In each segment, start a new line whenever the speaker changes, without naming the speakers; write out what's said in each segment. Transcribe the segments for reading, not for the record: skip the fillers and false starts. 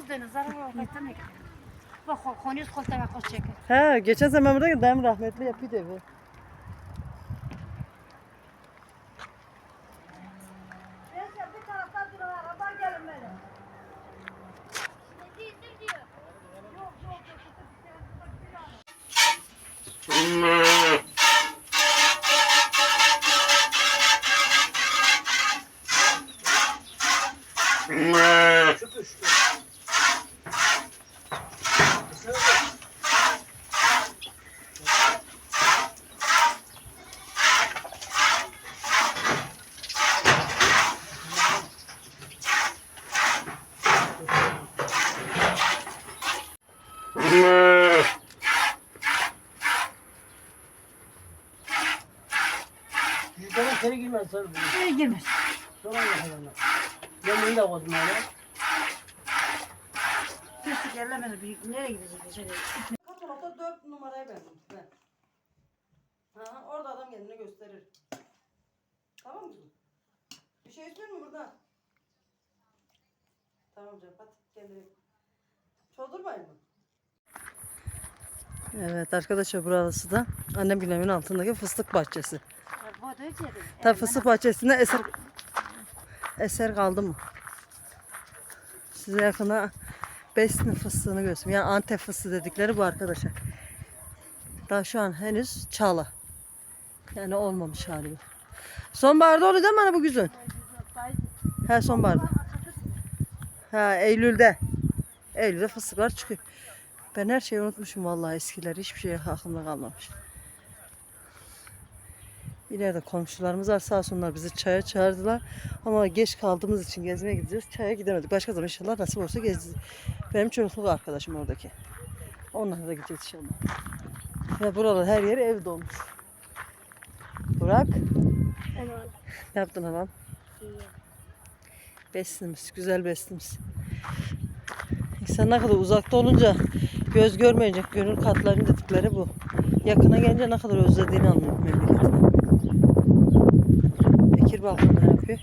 dene zarar vakitten mi? Bak konuyuz koltuğa koş çeker.
He, geçen zaman burada dayım rahmetli yapıyordu evi.
Bir taraftan dur araba gelin böyle.
Yukarı içeri girmez sarı bunu.
Nereye girmez?
Sonra yakalanır. Ben de koydum öyle.
Pislik yerlemedi büyük. Nereye gidecek içeri?
Katalogda 4 numarayı verdim size. Ha, orada adam kendini gösterir. Tamam mı? Bir şey istiyor musun burada? Tamam canım, hadi kendini. Çoldurmayın mı? Evet arkadaşlar, burası da annem günemin altındaki fıstık bahçesi. Tabi fıstık bahçesinde eser kaldı mı? Size yakına Besni fıstığını göstereyim. Yani Antep fıstığı dedikleri bu arkadaşlar. Daha şu an henüz çağla. Yani olmamış hali. Sonbaharda oluyor değil mi hani bu güzün? He, sonbaharda. Ha, Eylül'de. Eylül'de fıstıklar çıkıyor. Ben her şeyi unutmuşum vallahi, eskiler. Hiçbir şey aklımda kalmamış. İleride komşularımız var, sağ olsunlar bizi çaya çağırdılar. Ama geç kaldığımız için gezmeye gideceğiz. Çaya gidemedik. Başka zaman inşallah nasip olsa gezeceğiz. Benim çocukluk arkadaşım oradaki. Onlarla da gideceğiz inşallah. Ve buralar her yeri ev dolmuş. Burak.
Evet.
Ne yaptın anam?
İyi.
Beslimiz, güzel beslimiz. İnsan ne kadar uzakta olunca göz görmeyecek gönül katlarının dedikleri bu. Yakına gelince ne kadar özlediğini anlıyor memleketini. Bekir balkonda ne yapıyor?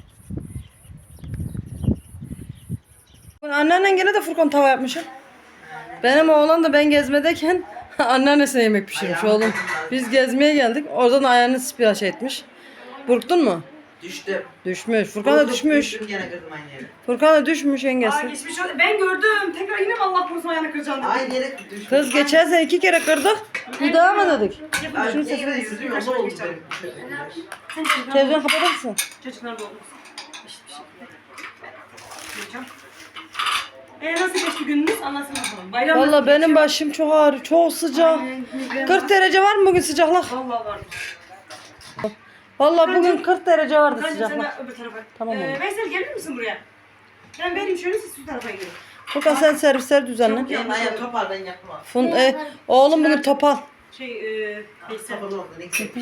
Anneannen gene de Furkan tava yapmışım. Benim oğlan da ben gezmedeyken anneannesine yemek pişirmiş oğlum. Biz gezmeye geldik. Oradan ayağını sipiraş etmiş. Burktun mu?
Düştüm.
Düşmüş. Furkan da düşmüş.
Düştüm gene kırdım aynı yere.
Furkan da düşmüş yengesi.
Geçmiş olsun. Ben gördüm. Tekrar yine mi Allah korusun ayağını kıracağım dedim.
Aynı yere düştüm.
Kız geçen sene 2 kere kırdık. Bir daha mı dedik?
Ay,
Şunu
yine
sesini
yüzüm yolda oldu benim.
televizyon kapatır mısın?
Çocuklar da olmuş. Bir şey. Yiyeceğim. Nasıl geçti gününüz? Anlatsın bakalım. Bayram
Valla
nasıl
benim
geçiyor?
başım çok ağrıyor. Çok sıcak. 40 derece var mı bugün sıcaklık?
Vallahi var.
Valla bugün 40 derece vardı
Bence sen
sıcaklık.
de öbür tarafa.
Tamam oğlum.
Veysel gelir misin buraya? Ben vereyim şöyle siz şu tarafa gidin.
Furkan sen servisler düzenle.
Yanına ayağım topar ben yapmam.
Oğlum bugün topal.
Veysel.
Topal oldu ne güzel.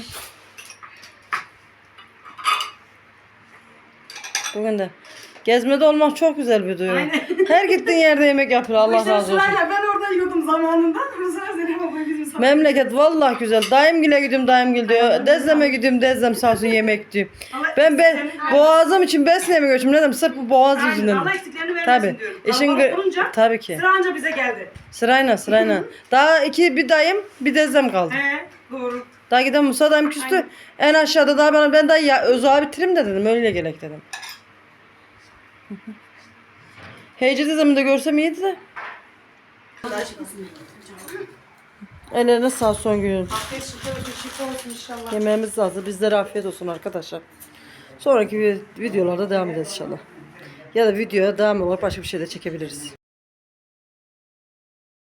Bugün de. Gezmede olmak çok güzel bir duygu.
Aynen.
Her gittiğin yerde yemek yapıyor. Allah
İşte
razı olsun.
sırayla ben orada yiyordum zamanında. Sıra Zeynep abla bizim sağ.
Memleket vallahi güzel. Daimgil'e gidiyorum, Daimgil diyor. Dezlem'e gidiyorum, Dezlem sağ olsun yemek diyor. Ben boğazım için beslemeye göçüm. Ne dedim? Sırf bu boğaz yüzünden.
Allah eksiklerini vermesin
Tabii.
diyorum.
İşin
Kalabalık olunca
tabii ki.
sıra anca bize geldi.
Sırayla. Daha bir dayım, bir Dezlem kaldı.
Doğru.
Daha giden Musa dayım küstü.
Aynen.
En aşağıda daha ben daha ya Özü bitireyim de dedim. Öyle gerek dedim. Heyce teyzemi de görsem iyiydi de. Ellerine sağ son günün.
Afiyet şifa olsun inşallah.
Yemeğimiz hazır. Bizlere afiyet olsun arkadaşlar. Sonraki videolarda devam edeceğiz inşallah. Ya da videoya devam olarak başka bir şey de çekebiliriz.